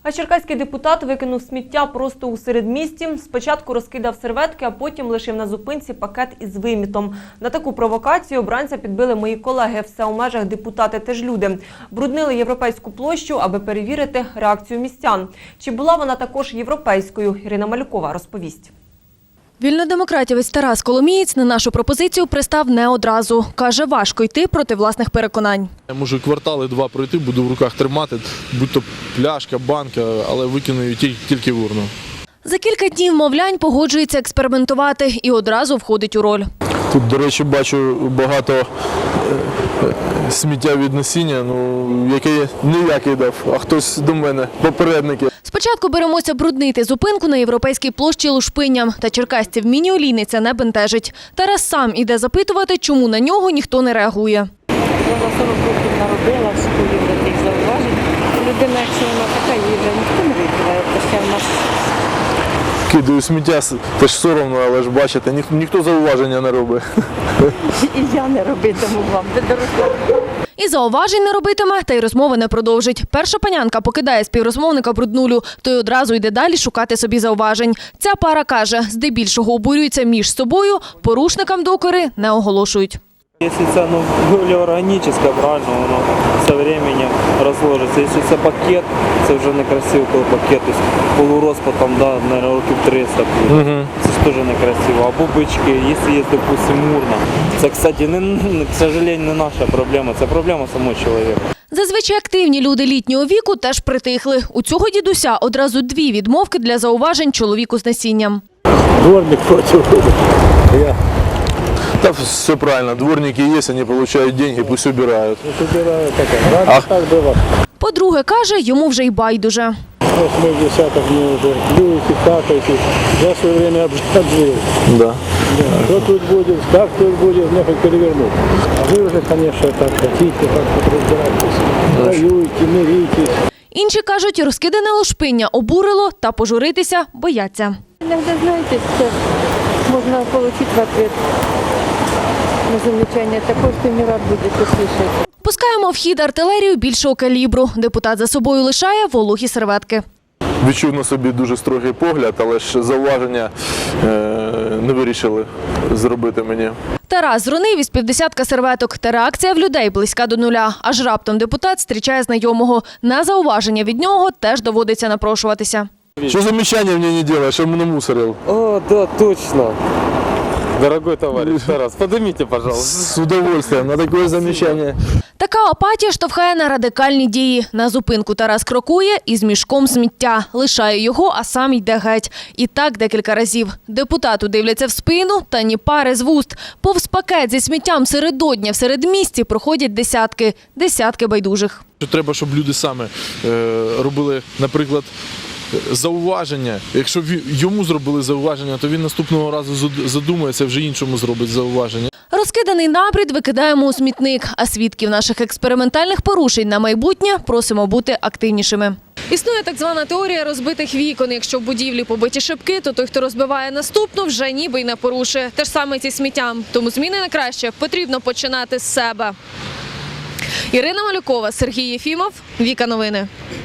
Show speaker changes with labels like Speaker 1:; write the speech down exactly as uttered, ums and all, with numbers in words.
Speaker 1: А черкаський депутат викинув сміття просто у середмісті. Спочатку розкидав серветки, а потім лишив на зупинці пакет із вимітом. На таку провокацію обранця підбили мої колеги. Все у межах депутати теж люди. Бруднили Європейську площу, аби перевірити реакцію містян. Чи була вона також європейською? Ірина Малюкова розповість.
Speaker 2: Вільнодемократівець Тарас Коломієць на нашу пропозицію пристав не одразу. Каже, важко йти проти власних переконань.
Speaker 3: Я можу квартали два пройти, буду в руках тримати, будь-то пляшка, банка, але викину її тільки в урну.
Speaker 2: За кілька днів мовлянь погоджується експериментувати і одразу входить у роль.
Speaker 3: Тут, до речі, бачу багато сміття від насіння, ну, яке не я кидав, а хтось до мене, попередники.
Speaker 2: Спочатку беремося бруднити зупинку на Європейській площі лушпинням. Та черкасців міні-олійни це не бентежить. Тарас сам іде запитувати, чому на нього ніхто не реагує.
Speaker 4: Я за сорок років народила, скоїв до тих зауважень. Людина, якщо вона така, її вже ніхто не відбуває, то ще в нас...
Speaker 3: Кидаю сміття, теж соромно, але ж бачите, ні, ніхто зауваження не робить.
Speaker 4: І я не робитиму вам, де доросла.
Speaker 2: І зауважень не робитиме, та й розмови не продовжить. Перша панянка покидає співрозмовника бруднулю, той одразу йде далі шукати собі зауважень. Ця пара каже, здебільшого обурюються між собою, порушникам докори не оголошують.
Speaker 5: Якщо це ну, більш органічне, правильно, воно з часом розложиться. Якщо це пакет, це вже некрасиво, коли пакет тобто, полурозпадом, да, на років триста буде. Угу. Це ж теж некрасиво. Або бички, якщо є, допустимо, урна. Це, кстати, не, к сожалению, не наша проблема, це проблема самого чоловіка.
Speaker 2: Зазвичай активні люди літнього віку теж притихли. У цього дідуся одразу дві відмовки для зауважень чоловіку з насінням.
Speaker 6: Дворник проти. Я.
Speaker 3: Та все правильно, дворники є, вони отримують гроші, пусть убирають.
Speaker 6: Убираю, так. Раньше так було.
Speaker 2: По-друге, каже, йому вже й байдуже.
Speaker 6: восьмидесятых мне уже плюете, какаете. Я в свое время обжил.
Speaker 3: Да.
Speaker 6: Да. Что тут будет, как тут будет, мне хоть перевернуть. А вы уже, конечно, так хотите, как-то разбирайтесь. Воюйте, миритесь.
Speaker 2: Інші кажуть, розкидане лушпиння обурило та пожуритися бояться.
Speaker 4: Иногда, знаете, что можно получить в ответ на замечание такое, что не рад будет услышать.
Speaker 2: Пускаємо в хід артилерію більшого калібру. Депутат за собою лишає вологі серветки.
Speaker 3: Відчув на собі дуже строгий погляд, але ж зауваження е, не вирішили зробити мені.
Speaker 2: Тарас зронив із півдесятка серветок. Та реакція в людей близька до нуля. Аж раптом депутат зустрічає знайомого. На зауваження від нього теж доводиться напрошуватися.
Speaker 3: Що замечання мені не робиш, що мене мусорив?
Speaker 5: О, да, точно. Дорогой товарищ Тарас, поднимите, пожалуйста.
Speaker 3: З удовольствием, на таке замечання.
Speaker 2: Така апатія штовхає на радикальні дії. На зупинку Тарас крокує із мішком сміття. Лишає його, а сам йде геть. І так декілька разів. Депутату дивляться в спину, та ні пари з вуст. Повз пакет зі сміттям середодня в середмісті проходять десятки. Десятки байдужих.
Speaker 3: Треба, щоб люди саме е, робили, наприклад, зауваження. Якщо йому зробили зауваження, то він наступного разу задумається, вже іншому зробить зауваження.
Speaker 2: Розкиданий набрід викидаємо у смітник, а свідків наших експериментальних порушень на майбутнє просимо бути активнішими. Існує так звана теорія розбитих вікон. Якщо в будівлі побиті шибки, то той, хто розбиває наступну, вже ніби й не порушує. Те ж саме зі сміттям. Тому зміни на краще потрібно починати з себе. Ірина Малюкова, Сергій Єфімов, Віка Новини.